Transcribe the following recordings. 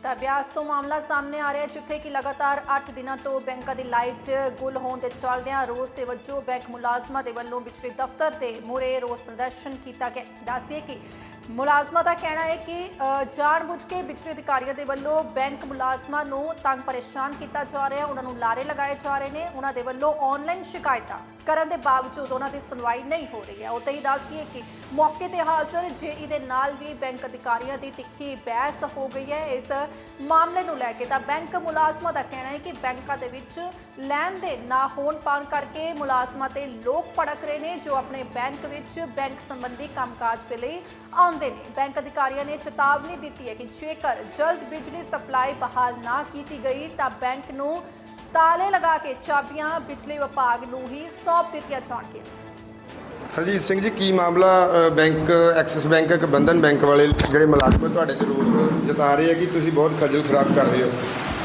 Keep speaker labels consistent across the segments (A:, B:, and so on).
A: ਤਾਂ ਬਿਆਸ ਤੋਂ ਮਾਮਲਾ ਸਾਹਮਣੇ ਆ ਰਿਹਾ ਜਿੱਥੇ ਕਿ ਲਗਾਤਾਰ 8 ਦਿਨਾਂ ਤੋਂ ਬੈਂਕਾਂ ਦੀ ਲਾਈਟ ਗੁੱਲ ਹੋਣ ਦੇ ਚੱਲਦਿਆਂ ਰੋਸ ਦੇ ਵਜੋਂ ਬੈਂਕ ਮੁਲਾਜ਼ਮਾਂ ਦੇ ਵੱਲੋਂ ਬਿਜਲੀ ਦਫ਼ਤਰ ਦੇ ਮੂਹਰੇ ਰੋਸ ਪ੍ਰਦਰਸ਼ਨ ਕੀਤਾ ਗਿਆ। ਦੱਸਦੇ ਕਿ ਮੁਲਾਜ਼ਮਾਂ ਦਾ ਕਹਿਣਾ ਹੈ ਕਿ ਜਾਣਬੁੱਝ ਕੇ ਬਿਜਲੀ ਅਧਿਕਾਰੀਆਂ ਦੇ ਵੱਲੋਂ ਬੈਂਕ ਮੁਲਾਜ਼ਮਾਂ ਨੂੰ ਤੰਗ ਪਰੇਸ਼ਾਨ ਕੀਤਾ ਜਾ ਰਿਹਾ, ਉਹਨਾਂ ਨੂੰ ਲਾਰੇ ਲਗਾਏ ਜਾ ਰਹੇ ਨੇ। ਉਹਨਾਂ ਦੇ ਵੱਲੋਂ ਆਨਲਾਈਨ ਸ਼ਿਕਾਇਤਾਂ ਕਰਨ ਦੇ ਬਾਵਜੂਦ ਉਹਨਾਂ ਦੀ ਸੁਣਵਾਈ ਨਹੀਂ ਹੋ ਰਹੀ ਹੈ। ਉੱਥੇ ਹੀ ਦੱਸਦੀ ਹੈ ਕਿ ਮੌਕੇ ਤੇ ਹਾਜ਼ਰ ਜੇਈ ਦੇ ਨਾਲ ਵੀ ਬੈਂਕ ਅਧਿਕਾਰੀਆਂ ਦੀ ਤਿੱਖੀ ਬਹਿਸ ਹੋ ਗਈ ਹੈ। ਇਸ ਮਾਮਲੇ ਨੂੰ ਲੈ ਕੇ ਤਾਂ ਬੈਂਕ ਮੁਲਾਜ਼ਮਾਂ ਦਾ ਕਹਿਣਾ ਹੈ ਕਿ ਬੈਂਕਾਂ ਦੇ ਵਿੱਚ ਲੈਣ ਦੇਣ ਨਾ ਹੋਣ ਪਾਉਣ ਕਰਕੇ ਮੁਲਾਜ਼ਮਾਂ ਤੇ ਲੋਕ ਭੜਕ ਰਹੇ ਨੇ ਜੋ ਆਪਣੇ ਬੈਂਕ ਵਿੱਚ ਬੈਂਕ ਸੰਬੰਧੀ ਕੰਮਕਾਜ ਦੇ ਲਈ ਆਉਂਦੇ ਨੇ। ਬੈਂਕ ਅਧਿਕਾਰੀਆਂ ਨੇ ਚੇਤਾਵਨੀ ਦਿੱਤੀ ਹੈ ਕਿ ਜੇਕਰ ਜਲਦ ਬਿਜਲੀ ਸਪਲਾਈ ਬਹਾਲ ਨਾ ਕੀਤੀ ਗਈ ਤਾਂ ਬੈਂਕ ਨੂੰ ਤਾਲੇ ਲਗਾ ਕੇ ਚਾਬੀਆਂ ਬਿਜਲੀ ਵਿਭਾਗ ਨੂੰ ਹੀ ਸੌਂਪ ਦਿੱਤੀਆਂ ਜਾਣਗੀਆਂ।
B: ਹਰਜੀਤ ਸਿੰਘ ਜੀ, ਕੀ ਮਾਮਲਾ ਬੈਂਕ ਐਕਸਿਸ ਬੈਂਕ ਇੱਕ ਬੰਧਨ ਬੈਂਕ ਵਾਲੇ ਜਿਹੜੇ ਮੁਲਾਜ਼ਮ ਤੁਹਾਡੇ ਤੇ ਰੋਸ ਜਤਾ ਰਹੇ ਆ ਕਿ ਤੁਸੀਂ ਬਹੁਤ ਖੱਜਲ ਖਰਾਬ ਕਰ ਰਹੇ ਹੋ?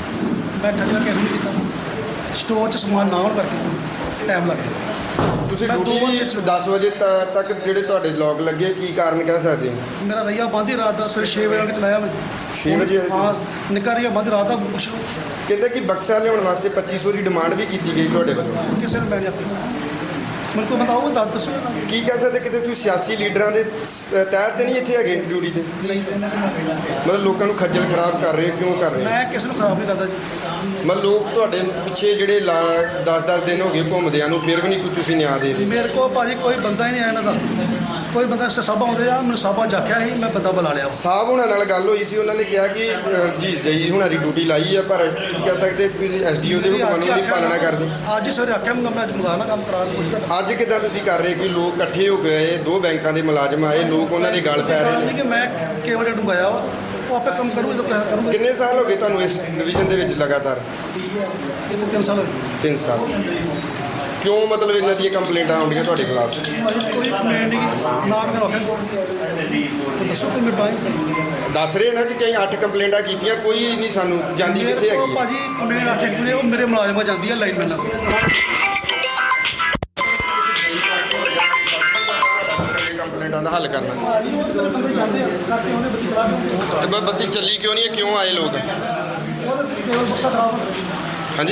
C: ਮੈਂ ਖੱਜਲ ਕਿਉਂ ਨਹੀਂ ਕੀਤਾ? ਸਟੋਰ 'ਚ ਸਮਾਨ ਨਾ ਹੋਣ ਕਰਕੇ ਟਾਈਮ ਲੱਗ ਗਿਆ।
B: ਤੁਸੀਂ ਡਿਊਟੀ 10 ਵਜੇ ਤੱਕ ਜਿਹੜੇ ਤੁਹਾਡੇ ਲੋਕ ਲੱਗੇ, ਕੀ ਕਾਰਨ ਕਹਿ ਸਕਦੇ ਹੋ?
C: ਮੇਰਾ ਰਈਆ ਬੰਦ ਹੀ ਰਾਤ ਦਾ ਸਵੇਰੇ 6 ਵਜੇ ਆ ਕੇ ਚਲਾਇਆ ਮੈਂ
B: 6 ਵਜੇ?
C: ਹਾਂ, ਨਿੱਕਾ ਰਈਆ ਬੰਦ ਰਾਤ ਦਾ ਕੁਛ
B: ਕਹਿੰਦੇ ਕਿ ਬਕਸਾ ਲਿਆਉਣ ਵਾਸਤੇ 2500 ਦੀ ਡਿਮਾਂਡ ਵੀ ਕੀਤੀ ਗਈ ਤੁਹਾਡੇ ਵੱਲੋਂ।
C: ਕਿਸੇ ਨੂੰ ਮੈਂ ਨਹੀਂ ਆਖਿਆ। ਮੈਨੂੰ ਕੋਈ ਬਤਾਓ, ਦੱਸੋ
B: ਕੀ ਕਹਿ ਸਕਦੇ? ਕਿਤੇ ਤੁਸੀਂ ਸਿਆਸੀ ਲੀਡਰਾਂ ਦੇ ਤਹਿਤ ਤੇ ਨਹੀਂ ਇੱਥੇ ਹੈਗੇ ਡਿਊਟੀ ਤੇ?
C: ਨਹੀਂ,
B: ਮਤਲਬ ਲੋਕਾਂ ਨੂੰ ਖੱਜਲ ਖਰਾਬ ਕਰ ਰਹੇ ਹੋ, ਕਿਉਂ ਕਰ ਰਹੇ ਹੋ?
C: ਮੈਂ ਕਿਸੇ ਨੂੰ ਖਰਾਬ ਨਹੀਂ ਕਰਦਾ ਜੀ।
B: ਮਤਲਬ ਲੋਕ ਤੁਹਾਡੇ ਪਿੱਛੇ ਜਿਹੜੇ 10-10 ਦਿਨ ਹੋ ਗਏ ਘੁੰਮਦਿਆਂ ਨੂੰ, ਫਿਰ ਵੀ ਨਹੀਂ ਕੋਈ ਤੁਸੀਂ ਨਿਆਂ ਦੇ ਰਹੇ?
C: ਮੇਰੇ ਕੋਲ ਭਾਜੀ ਕੋਈ ਬੰਦਾ ਹੀ ਨਹੀਂ ਆਇਆ ਇਹਨਾਂ ਦਾ। ਕੋਈ ਬੰਦਾ ਸਾਬਾ ਆਉਂਦੇ ਆ, ਮੈਨੂੰ ਸਾਬਾ ਜਾਖਿਆ ਸੀ, ਮੈਂ ਬੰਦਾ ਬੁਲਾ ਲਿਆ।
B: ਸਾਹਿਬ ਹੁਣਾਂ ਨਾਲ ਗੱਲ ਹੋਈ ਸੀ, ਉਹਨਾਂ ਨੇ ਕਿਹਾ ਕਿ ਜੀ ਜਈ ਹੁਣਾਂ ਦੀ ਡਿਊਟੀ ਲਾਈ ਆ, ਪਰ ਕੀ ਕਹਿ ਸਕਦੇ ਐਸਡੀਓ ਦੇ ਹੁਕਮਾਂ ਨੂੰ ਵੀ ਪਾਲਣਾ ਕਰਦੇ।
C: ਅੱਜ ਹੀ ਸਵੇਰੇ ਆਖਿਆ ਮੈਂ ਅੱਜ ਮੰਗਾਣਾ ਕੰਮ ਕਰਾ ਕੇ ਪੁੱਛਦਾ।
B: ਅੱਜ ਕਿੱਦਾਂ ਤੁਸੀਂ ਕਰ ਰਹੇ ਕਿ ਲੋਕ ਇਕੱਠੇ ਹੋ ਗਏ, ਦੋ ਬੈਂਕਾਂ ਦੇ ਮੁਲਾਜ਼ਮ ਆਏ, ਲੋਕ ਉਹਨਾਂ ਦੇ ਗੱਲ ਪੈ ਰਹੇ ਨੇ
C: ਕਿ ਮੈਂ ਕੇਵਲ ਡੁੰਗਾਇਆ ਵਾ, ਉਹ ਆਪੇ ਕੰਮ ਕਰੂ ਜਦੋਂ ਪੈਸਾ ਕਰੂੰਗਾ।
B: ਕਿੰਨੇ ਸਾਲ ਹੋ ਗਏ ਤੁਹਾਨੂੰ ਇਸ ਡਿਵੀਜ਼ਨ ਦੇ ਵਿੱਚ ਲਗਾਤਾਰ?
C: 3 ਸਾਲ ਹੋਏ।
B: 3 ਸਾਲ। ਕਿਉਂ ਮਤਲਬ ਇਹਨਾਂ ਦੀਆਂ ਕੰਪਲੇਂਟਾਂ ਆਉਂਦੀਆਂ ਤੁਹਾਡੇ ਖਿਲਾਫ?
C: ਕੋਈ ਕੰਪਲੇਂਟ ਨਹੀਂ, ਨਾ ਮੈਂ ਰੱਖਿਆ। ਦੱਸੋ ਕਿ ਮੈਂ
B: ਦੱਸ ਰਹੇ ਨਾ ਕਿ ਕਈ 8 ਕੰਪਲੇਂਟਾਂ ਕੀਤੀਆਂ, ਕੋਈ ਨਹੀਂ ਸਾਨੂੰ ਜਾਂਦੀ ਕਿੱਥੇ ਹੈਗੀ?
C: ਭਾਜੀ ਕੰਪਲੇਂਟ 8 ਪੂਰੇ ਉਹ ਮੇਰੇ ਮੁਲਾਜ਼ਮਾਂ ਜਾਂਦੀ ਹੈ ਲਾਈਨਮੈਨ ਨਾਲ।
B: ਕੰਪਲੇਂਟਾਂ ਦਾ ਹੱਲ ਕਰਨਾ। ਤੇ ਬੱਤੀ ਚੱਲੀ ਕਿਉਂ ਨਹੀਂ ਹੈ? ਕਿਉਂ ਆਏ ਲੋਕ? ਹਾਂਜੀ,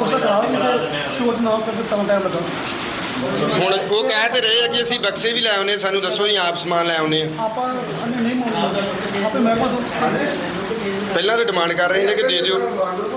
B: ਹੁਣ ਉਹ ਕਹਿ ਤੇ ਰਹੇ ਆ ਕਿ ਅਸੀਂ ਬਕਸੇ ਵੀ ਲੈ ਆਉਨੇ, ਸਾਨੂੰ ਦੱਸੋ ਜੀ ਆਪ ਸਮਾਨ ਲੈ ਆਉਨੇ ਆ। ਪਹਿਲਾਂ ਤਾਂ ਡਿਮਾਂਡ ਕਰ ਰਹੇ ਨੇ ਕਿ ਦੇ ਦਿਓ।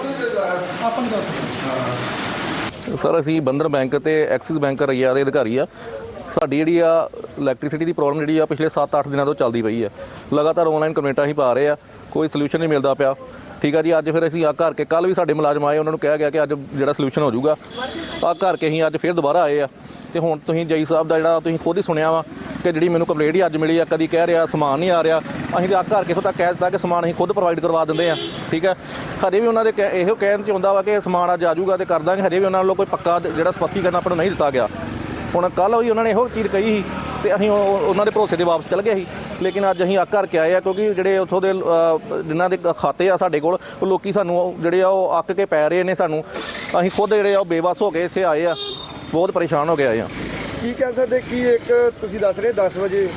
D: ਸਰ, ਅਸੀਂ ਬੰਧਨ ਬੈਂਕ ਤੇ ਐਕਸਿਸ ਬੈਂਕ ਰਈਆ ਦੇ ਅਧਿਕਾਰੀ ਆ। ਸਾਡੀ ਜਿਹੜੀ ਆ ਇਲੈਕਟ੍ਰਿਸਿਟੀ ਦੀ ਪ੍ਰੋਬਲਮ ਜਿਹੜੀ ਆ ਪਿਛਲੇ 7-8 ਦਿਨਾਂ ਤੋਂ ਚੱਲਦੀ ਪਈ ਆ। ਲਗਾਤਾਰ ਆਨਲਾਈਨ ਕੰਪਲੇਂਟਾਂ ਹੀ ਪਾ ਰਹੇ ਆ, ਕੋਈ ਸੋਲੂਸ਼ਨ ਨਹੀਂ ਮਿਲਦਾ ਪਿਆ। ਠੀਕ ਆ ਜੀ, ਅੱਜ ਫਿਰ ਅਸੀਂ ਆ ਘਰ ਕੇ ਕੱਲ੍ਹ ਵੀ ਸਾਡੇ ਮੁਲਾਜ਼ਮ ਆਏ, ਉਹਨਾਂ ਨੂੰ ਕਿਹਾ ਗਿਆ ਕਿ ਅੱਜ ਜਿਹੜਾ ਸੋਲੂਸ਼ਨ ਹੋ ਜਾਊਗਾ। ਆ ਘਰ ਕੇ ਅਸੀਂ ਅੱਜ ਫਿਰ ਦੁਬਾਰਾ ਆਏ ਆ। ਤੇ ਹੁਣ ਤੁਸੀਂ ਜਈ ਸਾਹਿਬ ਦਾ ਜਿਹੜਾ ਤੁਸੀਂ ਖੁਦ ਹੀ ਸੁਣਿਆ ਵਾ ਕਿ ਜਿਹੜੀ ਮੈਨੂੰ ਕੰਪਲੇਂਟ ਹੀ ਅੱਜ ਮਿਲੀ ਆ, ਕਦੀ ਕਹਿ ਰਿਹਾ ਸਮਾਨ ਨਹੀਂ ਆ ਰਿਹਾ। ਅਸੀਂ ਤਾਂ ਆ ਘਰ ਕੇ ਇੱਥੋਂ ਤੱਕ ਕਹਿ ਦਿੱਤਾ ਕਿ ਸਮਾਨ ਅਸੀਂ ਖੁਦ ਪ੍ਰੋਵਾਈਡ ਕਰਵਾ ਦਿੰਦੇ ਆ। ਠੀਕ ਹੈ, ਹਜੇ ਵੀ ਉਹਨਾਂ ਦੇ ਇਹੋ ਕਹਿਣ 'ਚ ਹੁੰਦਾ ਵਾ ਕਿ ਸਮਾਨ ਅੱਜ ਆ ਜਾਊਗਾ ਤੇ ਕਰ ਦਾਂਗੇ। ਹਜੇ ਵੀ ਉਹਨਾਂ ਵੱਲੋਂ ਕੋਈ ਪੱਕਾ ਜਿਹੜਾ ਸਪਸ਼ਟੀਕਰਨ ਆਪਾਂ ਨੂੰ ਨਹੀਂ ਦਿੱਤਾ ਗਿਆ। ਹੁਣ ਕੱਲ੍ਹ ਵੀ ਉਹਨਾਂ ਨੇ ਇਹੋ ਚੀਜ਼ ਕਹੀ ਸੀ ਤੇ ਅਸੀਂ ਉਹਨਾਂ ਦੇ ਭਰੋਸੇ ਦੇ ਵਾਪਸ ਚਲ ਗਏ ਸੀ। ਲੇਕਿਨ ਅੱਜ ਅਸੀਂ ਆ ਘਰ ਕੇ ਆਏ ਆ ਕਿਉਂਕਿ ਜਿਹੜੇ ਉੱਥੋਂ ਦੇ ਜਿਨ੍ਹਾਂ ਦੇ ਖਾਤੇ ਆ ਸਾਡੇ ਕੋਲ, ਉਹ ਲੋਕੀ ਸਾਨੂੰ ਜਿਹੜੇ ਆ ਉਹ ਅੱਕ ਕੇ ਪੈ ਰਹੇ ਨੇ ਸਾਨੂੰ। ਅਸੀਂ ਖੁਦ ਜਿਹੜੇ ਆ ਉਹ ਬੇਵੱਸ ਹੋ ਕੇ ਇੱਥੇ ਆਏ ਆ, ਬਹੁਤ ਪਰੇਸ਼ਾਨ ਹੋ ਕੇ ਆਏ ਆ।
B: ਕੀ ਕਹਿ ਸਕਦੇ ਕਿ ਇੱਕ ਤੁਸੀਂ ਦੱਸ ਰਹੇ 10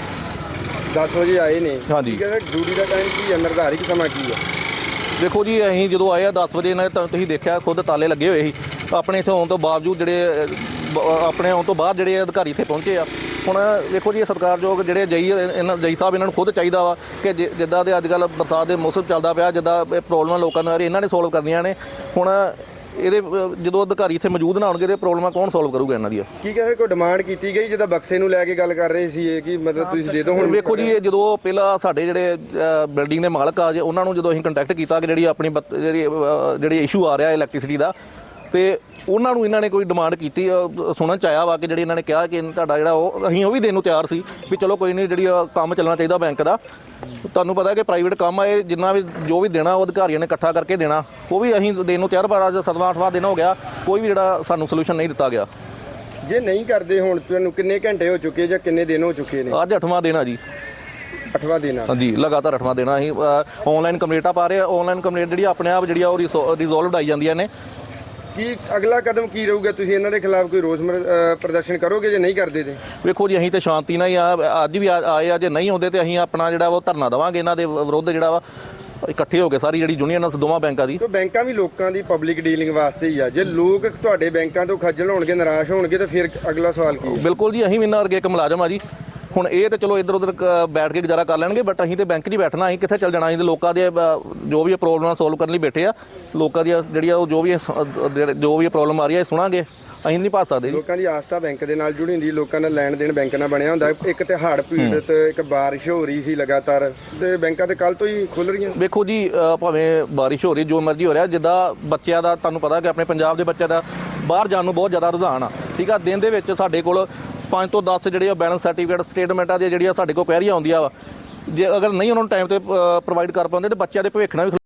B: ਵਜੇ ਆਏ ਨੇ?
D: ਹਾਂਜੀ।
B: ਕਹਿੰਦੇ ਡਿਊਟੀ ਦਾ ਟਾਈਮ ਕੀ ਹੈ, ਨਿਰਧਾਰਿਤ ਸਮਾਂ ਕੀ ਹੈ?
D: ਦੇਖੋ ਜੀ, ਅਸੀਂ ਜਦੋਂ ਆਏ ਆ 10 ਵਜੇ ਇਹਨਾਂ ਨੇ ਤੁਸੀਂ ਦੇਖਿਆ ਖੁਦ ਤਾਲੇ ਲੱਗੇ ਹੋਏ ਸੀ। ਆਪਣੇ ਇੱਥੇ ਆਉਣ ਤੋਂ ਬਾਵਜੂਦ ਜਿਹੜੇ ਆਪਣੇ ਆਉਣ ਤੋਂ ਬਾਅਦ ਜਿਹੜੇ ਅਧਿਕਾਰੀ ਇੱਥੇ ਪਹੁੰਚੇ ਆ। ਹੁਣ ਦੇਖੋ ਜੀ, ਇਹ ਸਤਿਕਾਰਯੋਗ ਜਿਹੜੇ ਜਈ ਸਾਹਿਬ, ਇਹਨਾਂ ਨੂੰ ਖੁਦ ਚਾਹੀਦਾ ਵਾ ਕਿ ਜਿੱਦਾਂ ਦੇ ਅੱਜ ਕੱਲ੍ਹ ਬਰਸਾਤ ਦੇ ਮੌਸਮ ਚੱਲਦਾ ਪਿਆ, ਜਿੱਦਾਂ ਇਹ ਪ੍ਰੋਬਲਮਾਂ ਲੋਕਾਂ ਨੂੰ ਆ ਰਹੀ ਇਹਨਾਂ ਨੇ ਸੋਲਵ ਕਰਨੀਆਂ ਨੇ। ਹੁਣ ਇਹਦੇ ਜਦੋਂ ਅਧਿਕਾਰੀ ਇੱਥੇ ਮੌਜੂਦ ਨਾ ਹੋਣਗੇ ਤੇ ਪ੍ਰੋਬਲਮਾਂ ਕੌਣ ਸੋਲਵ ਕਰੂਗਾ ਇਹਨਾਂ ਦੀਆਂ?
B: ਕੀ ਕਹਿੰਦੇ ਕੋਈ ਡਿਮਾਂਡ ਕੀਤੀ ਗਈ ਜਿੱਦਾਂ ਬਕਸੇ ਨੂੰ ਲੈ ਕੇ ਗੱਲ ਕਰ ਰਹੇ ਸੀ ਕਿ ਮਤਲਬ ਤੁਸੀਂ ਦੇ ਦਿਓ? ਹੁਣ
D: ਵੇਖੋ ਜੀ, ਜਦੋਂ ਪਹਿਲਾਂ ਸਾਡੇ ਜਿਹੜੇ ਬਿਲਡਿੰਗ ਦੇ ਮਾਲਕ ਆ ਜੇ ਉਹਨਾਂ ਨੂੰ ਜਦੋਂ ਅਸੀਂ ਕੰਟੈਕਟ ਕੀਤਾ ਕਿ ਜਿਹੜੀ ਆਪਣੀ ਜਿਹੜੀ ਇਸ਼ੂ ਆ ਰਿਹਾ ਇਲੈਕਟ੍ਰਿਸਿਟੀ ਦਾ, ਤੇ ਉਹਨਾਂ ਨੂੰ ਇਹਨਾਂ ਨੇ ਕੋਈ ਡਿਮਾਂਡ ਕੀਤੀ, ਸੁਣਨ 'ਚ ਆਇਆ ਵਾ ਕਿ ਜਿਹੜੀ ਇਹਨਾਂ ਨੇ ਕਿਹਾ ਕਿ ਤੁਹਾਡਾ ਜਿਹੜਾ ਅਸੀਂ ਉਹ ਵੀ ਦੇਣ ਨੂੰ ਤਿਆਰ ਸੀ ਵੀ ਚਲੋ ਕੋਈ ਨਹੀਂ, ਜਿਹੜੀ ਕੰਮ ਚੱਲਣਾ ਚਾਹੀਦਾ ਬੈਂਕ ਦਾ। ਤੁਹਾਨੂੰ ਪਤਾ ਕਿ ਪ੍ਰਾਈਵੇਟ ਕੰਮ ਆ, ਇਹ ਜਿੰਨਾ ਵੀ ਜੋ ਵੀ ਦੇਣਾ ਉਹ ਅਧਿਕਾਰੀਆਂ ਨੇ ਇਕੱਠਾ ਕਰਕੇ ਦੇਣਾ, ਉਹ ਵੀ ਅਸੀਂ ਦੇਣ ਨੂੰ ਤਿਆਰ। ਪਰ ਅੱਜ 7ਵਾਂ-8ਵਾਂ ਦਿਨ ਹੋ ਗਿਆ, ਕੋਈ ਵੀ ਜਿਹੜਾ ਸਾਨੂੰ ਸੋਲੂਸ਼ਨ ਨਹੀਂ ਦਿੱਤਾ ਗਿਆ।
B: ਜੇ ਨਹੀਂ ਕਰਦੇ, ਹੁਣ ਤੁਹਾਨੂੰ ਕਿੰਨੇ ਘੰਟੇ ਹੋ ਚੁੱਕੇ ਜਾਂ ਕਿੰਨੇ ਦਿਨ ਹੋ ਚੁੱਕੇ ਨੇ?
D: ਅੱਜ 8ਵਾਂ ਦਿਨ ਆ ਜੀ।
B: 8ਵਾਂ ਦਿਨ ਆ?
D: ਹਾਂਜੀ, ਲਗਾਤਾਰ 8ਵਾਂ ਦਿਨ ਆ। ਅਸੀਂ ਆਨਲਾਈਨ ਕੰਪਲੇਂਟਾਂ ਪਾ ਰਹੇ ਆ। ਆਨਲਾਈਨ ਕੰਪਲੇਂਟ ਜਿਹੜੀ ਆਪਣੇ ਆਪ ਜਿਹੜੀ ਆ ਉਹ ਰਿਜ਼ੋਲਵਡ ਆਈ ਜਾਂਦੀਆਂ ਨੇ।
B: ਕੀ ਅਗਲਾ ਕਦਮ ਕੀ ਰਹੂਗਾ? ਤੁਸੀਂ ਇਹਨਾਂ ਦੇ ਖਿਲਾਫ ਕੋਈ ਰੋਸ ਪ੍ਰਦਰਸ਼ਨ ਕਰੋਗੇ ਜੇ ਨਹੀਂ ਕਰਦੇ ਤੇ?
D: ਵੇਖੋ ਜੀ, ਅਸੀਂ ਤਾਂ ਸ਼ਾਂਤੀ ਨਾਲ ਹੀ ਅੱਜ ਵੀ ਆਏ ਆ। ਜੇ ਨਹੀਂ ਆਉਂਦੇ ਤੇ ਅਸੀਂ ਆਪਣਾ ਜਿਹੜਾ ਉਹ ਧਰਨਾ ਦੇਵਾਂਗੇ ਇਹਨਾਂ ਦੇ ਵਿਰੁੱਧ ਜਿਹੜਾ ਵਾ। ਇਕੱਠੇ ਹੋ ਕੇ ਸਾਰੀ ਜਿਹੜੀ ਯੂਨੀਅਨ ਦੋਵਾਂ ਬੈਂਕਾਂ ਦੀ।
B: ਤੇ ਬੈਂਕਾਂ ਵੀ ਲੋਕਾਂ ਦੀ ਪਬਲਿਕ ਡੀਲਿੰਗ ਵਾਸਤੇ ਹੀ ਆ। ਜੇ ਲੋਕ ਤੁਹਾਡੇ ਬੈਂਕਾਂ ਤੋਂ ਖੱਜਲ ਹੋਣਗੇ, ਨਿਰਾਸ਼ ਹੋਣਗੇ, ਤਾਂ ਫਿਰ ਅਗਲਾ ਸਵਾਲ ਕੀ ਹੈ?
D: ਬਿਲਕੁਲ ਜੀ, ਅਸੀਂ ਵੀ ਇਹਨਾਂ ਵਰਗੇ ਇੱਕ ਮੁਲਾਜ਼ਮ ਆ ਜੀ। ਹੁਣ ਇਹ ਤੇ ਚਲੋ ਇੱਧਰ ਉੱਧਰ ਬੈਠ ਕੇ ਗੁਜ਼ਾਰਾ ਕਰ ਲੈਣਗੇ, ਬਟ ਅਸੀਂ ਤੇ ਬੈਂਕ 'ਚ ਹੀ ਬੈਠਣਾ, ਅਸੀਂ ਕਿੱਥੇ ਚੱਲ ਜਾਣਾ। ਅਸੀਂ ਤੇ ਲੋਕਾਂ ਦੇ ਜੋ ਵੀ ਪ੍ਰੋਬਲਮਾਂ ਸੋਲਵ ਕਰਨ ਲਈ ਬੈਠੇ ਆ। ਲੋਕਾਂ ਦੀਆਂ ਜਿਹੜੀਆਂ ਉਹ ਜੋ ਵੀ ਪ੍ਰੋਬਲਮ ਆ ਰਹੀ ਹੈ ਇਹ ਸੁਣਾਂਗੇ, ਅਸੀਂ ਨਹੀਂ ਭੱਜ ਸਕਦੇ ਜੀ।
B: ਲੋਕਾਂ ਦੀ ਆਸਥਾ ਬੈਂਕ ਦੇ ਨਾਲ ਜੁੜੀ ਹੁੰਦੀ, ਲੋਕਾਂ ਦਾ ਲੈਣ ਦੇਣ ਬੈਂਕ ਨਾਲ ਬਣਿਆ ਹੁੰਦਾ। ਇੱਕ ਤੇ ਹੜ੍ਹ ਪੀੜਤ, ਇੱਕ ਬਾਰਿਸ਼ ਹੋ ਰਹੀ ਸੀ ਲਗਾਤਾਰ, ਤੇ ਬੈਂਕਾਂ ਤੇ ਕੱਲ ਤੋਂ ਹੀ ਖੁੱਲ ਰਹੀਆਂ।
D: ਵੇਖੋ ਜੀ, ਭਾਵੇਂ ਬਾਰਿਸ਼ ਹੋ ਰਹੀ, ਜੋ ਮਰਜ਼ੀ ਹੋ ਰਿਹਾ, ਜਿੱਦਾਂ ਬੱਚਿਆਂ ਦਾ ਤੁਹਾਨੂੰ ਪਤਾ ਕਿ ਆਪਣੇ ਪੰਜਾਬ ਦੇ ਬੱਚਿਆਂ ਦਾ ਬਾਹਰ ਜਾਣ ਨੂੰ ਬਹੁਤ ਜ਼ਿਆਦਾ ਰੁਝਾਨ ਆ, ਠੀਕ ਆ। ਦਿਨ ਦੇ ਵਿੱਚ ਸਾਡੇ ਕੋਲ 5 ਤੋਂ 10 ਜਿਹੜੇ ਆ ਬੈਲੈਂਸ ਸਰਟੀਫਿਕੇਟ ਸਟੇਟਮੈਂਟਾਂ ਦੀਆਂ ਜਿਹੜੀਆਂ ਸਾਡੇ ਕੋਲ ਕੁਐਰੀਆਂ ਆਉਂਦੀਆਂ ਵਾ, ਜੇ ਅਗਰ ਨਹੀਂ ਉਹਨਾਂ ਨੂੰ ਟਾਈਮ ਤੇ ਪ੍ਰੋਵਾਈਡ ਕਰ ਪਾਉਂਦੇ ਤਾਂ ਬੱਚਿਆਂ ਦੇ ਭਵਿੱਖ ਨਾਲ ਵੀ